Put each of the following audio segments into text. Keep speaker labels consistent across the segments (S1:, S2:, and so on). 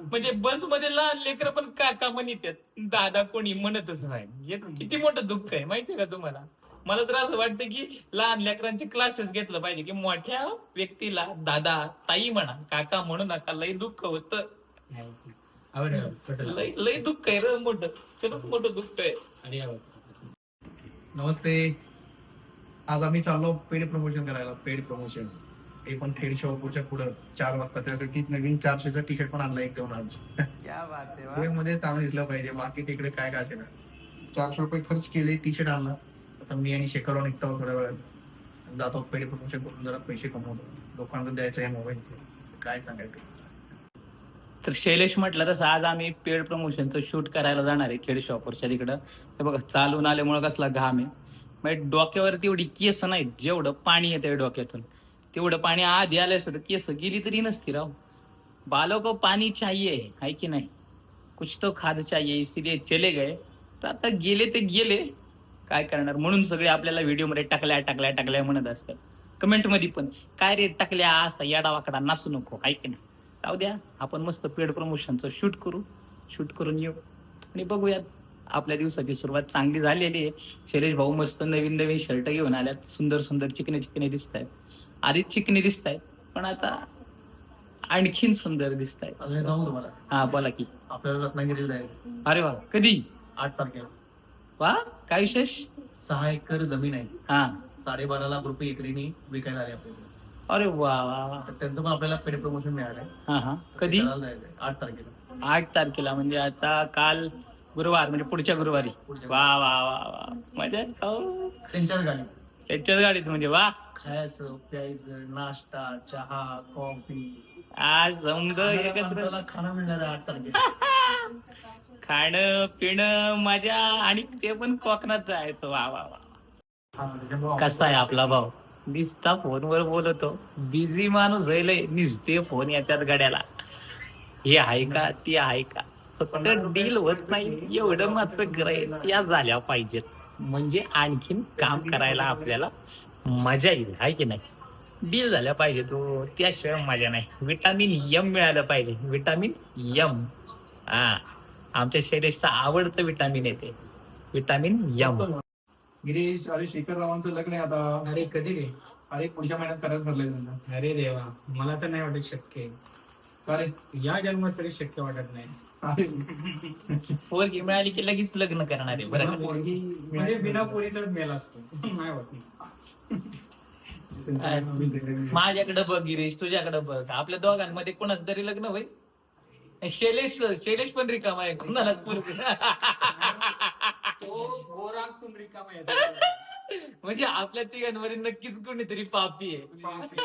S1: म्हणजे बस मध्ये लहान लेकर पण काका म्हणतात, दादा कोणी म्हणतच नाही. हे किती मोठं दुःख आहे माहितीये का तुम्हाला? मला तर असं वाटतं की लहान लेकरांचे क्लासेस घेतलं पाहिजे, की मोठ्या व्यक्तीला दादा ताई म्हणा, काका म्हणू नका. लय दुःख होतं, लय लय दुःख आहे रे मोठं, खरंच मोठं दुःख आहे.
S2: नमस्ते. आज आम्ही चाललो पेड प्रमोशन करायला. पेड प्रमोशन ते पण खेड शॉपूरच्या पुढं 4 वाजता. त्यासाठी नवीन 400चा टी शर्ट पण आणला एक घेऊन आज.
S1: क्या बात आहे.
S2: मध्ये चांगलं दिसलं पाहिजे, बाकी तिकडे काय काय ना. 400 रुपये खर्च केले, टी शर्ट आणला. आता मी आणि शेखरवर निघतो थोड्या वेळात. जातो पेड प्रमोशन करून जरा पैसे कमवतो. लोकांना द्यायचं आहे मोबाईल, काय सांगायचं.
S1: तर शैलेश म्हटलं तसं आज आम्ही पेड प्रमोशनचं शूट करायला जाणार आहे खेड शॉपरच्या तिकडं. हे बघा चालून आल्यामुळं कसला घाम आहे. म्हणजे डोक्यावरती एवढी केस नाहीत, जेवढं पाणी येतं डोक्यातून तेवढं पाणी आधी आलं असतं तर केस गेली तरी नसती राव. बालों को पाणी चाहिए है की नाही, कुछ तो खाद चाहिए, इसीलिए चले गए. तर आता गेले ते गेले, काय करणार. म्हणून सगळे आपल्याला व्हिडिओमध्ये टाकल्या टाकल्या टाकल्या म्हणत असतात. कमेंटमध्ये पण काय रे टाकल्या, असा येडावाकडा नाचू नको आहे की नाही. जाऊ द्या, आपण मस्त पेड प्रमोशनचं शूट करून येऊ आणि बघूयात. आपल्या दिवसाची सुरुवात चांगली झालेली आहे. शैलेश भाऊ मस्त नवीन नवीन शर्ट घेऊन आल्यात, सुंदर सुंदर चिकने चिकने दिसत आहेत. आधीच चिकने दिसत आहेत, पण आता आणखीन सुंदर दिसत आहेत.
S2: जाऊ तुम्हाला.
S1: हा बोला की.
S2: आपल्याला रत्नागिरीला जायचं
S1: अरे वा, कधी?
S2: 8 तारखेला.
S1: वा, काय विशेष?
S2: 6 एकर जमीन आहे.
S1: हा,
S2: 12.5 लाख रुपये एकरीने विकायला आले आपल्याकडे.
S1: अरे वा वा वा.
S2: तर त्यांचं पण आपल्याला पेड प्रमोशन मिळालंय.
S1: हा, कधी?
S2: 8 तारखेला.
S1: 8 तारखेला म्हणजे आता काल गुरुवार, म्हणजे पुढच्या गुरुवारी. वा वा वा वा, मजा आहे. हो,
S2: त्यांच्याच गाडी.
S1: त्याच्याच गाडीत म्हणजे वा.
S2: खायचं प्यायचं, नाश्ता, चहा, कॉफी,
S1: आज समज एकत्र
S2: खाणं मिळणार 8 तारखेला.
S1: खाणं पिणं मजा, आणि ते पण कोकणात जायचं. वा वा वा. कसा आहे आपला भाऊ? दिसता फोनवर बोलतो, बिझी माणूस आहे, निसते फोन येतात गड्याला. हे आहे का ते आहे का, फक्त डील होत नाही एवढं मात्र करायला या झाल्या पाहिजेत, म्हणजे आणखीन काम करायला आपल्याला मजा येईल आहे की नाही. डील झाल्या पाहिजे तो, त्याशिवाय मजा नाही. विटामिन यम मिळालं पाहिजे, विटामिन यम. हा, आमच्या शरीराचं आवडतं विटामिन येते, विटामिन यम.
S2: गिरीश, अरे शेखर रावांचं लग्न आहे आता.
S3: अरे कधी रे?
S2: अरे पुढच्या महिन्यात करायला ठरलंय त्यांना.
S3: अरे देवा, मला तर नाही वाटत शक्य आहे.
S2: अरे
S3: या जन्मात तरी शक्य वाटत नाही.
S2: अरे
S1: पोरगी मिळाली की लगेच लग्न करणार आहे बरं का?
S2: पोरगी
S3: म्हणजे बिना पोरीचाच मेला असतो. नाही होत.
S1: माझ्याकडे बघ गिरीश, तुझ्याकडे बघ, आपल्या दोघांमध्ये कोणाच तरी लग्न होईल. शैलेश पण रिकामा आहे, कुणालाच पोरगी.
S3: तो गोरा असून रिकामा आहे.
S1: म्हणजे आपल्या तिघांमध्ये नक्कीच कोणीतरी पापी आहे.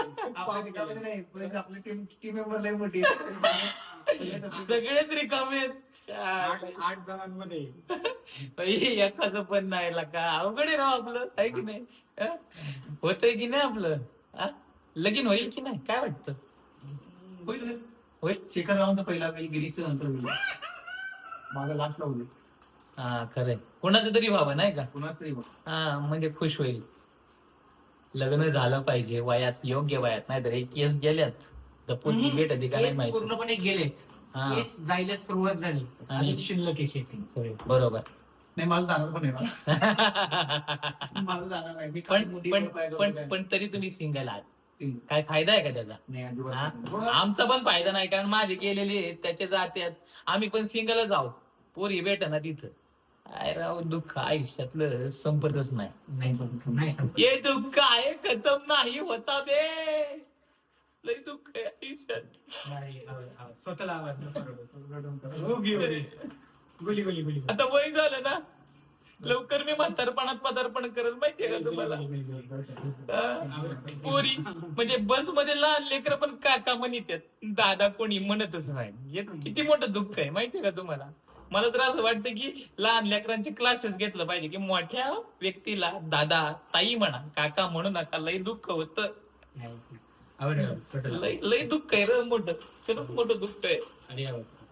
S2: आपली टीम मेंबर लय मोठी आहे.
S1: सगळेच रिकामे आहेत.
S3: 8 जणांमध्ये
S1: एकाच पण नाही का, अवघड आहे राव आपलं, आहे की नाही. होतंय की नाही आपलं? लगीन होईल की नाही, काय वाटतं?
S2: होईल.
S1: होईल.
S2: शेखर रावांचा पहिला होईल, गिरीशचं नंतर होईल. माझा लास्टला होईल.
S1: हा खरंय, कोणाचं तरी व्हावं नाही का.
S2: कुणाच तरी बघ.
S1: हा, म्हणजे खुश होईल. लग्न झालं पाहिजे वयात, योग्य वयात, नाहीतर एक केस गेल्यात तर पोरगी भेटते का नाही
S3: केस
S1: माहिती.
S3: पूर्णपणे गेलेत.
S1: हा.
S3: केस जायला सुरुवात झाली
S1: आणि-
S3: आणि शिल्लक आहे शेती.
S1: बरोबर.
S2: नाही, मला जाणार पण आहे मला. मला जाणार नाही. मी
S1: पण
S2: खाली मोठी
S1: पण
S2: पाय करून
S1: पण
S2: काय.
S1: पण तरी तुम्ही सिंगल आहात,
S2: सिंग.
S1: काय फायदा आहे का त्याचा?
S2: नाही, अजिबात
S1: हा?
S2: नाही.
S1: आमचा पण फायदा नाही, कारण माझे गेलेले आहेत, त्याचे जात्यात. आम्ही पण सिंगलच आहोत, पोरी भेट ना तिथं. काय राव, दुःख आयुष्यातलं संपतच नाही.
S3: नाही संपत.
S1: हे दुःख आहे, खतम नाही होता बे. लय दुःख आहे आयुष्यात.
S3: नाही, स्वतःला आवाज नको रडू. हो, घे, घे. गुली.
S1: आता वय झालं ना, लवकर मी म्हातारपणात पदार्पण करत, माहितीये का तुम्हाला. पोरी म्हणजे बस मध्ये लहान लेकर पण काका म्हणतात, दादा कोणी म्हणतच नाही. हे किती मोठं दुःख आहे माहितीये का तुम्हाला. मला तर असं वाटतं की लहान लेकरांचे क्लासेस घेतलं पाहिजे, की मोठ्या व्यक्तीला दादा ताई म्हणा, काका म्हणू नका. लय दुःख होतं,
S3: नाही.
S1: लय दुःख आहे रे मोठं, खरंच मोठं दुःख आहे.
S3: अरे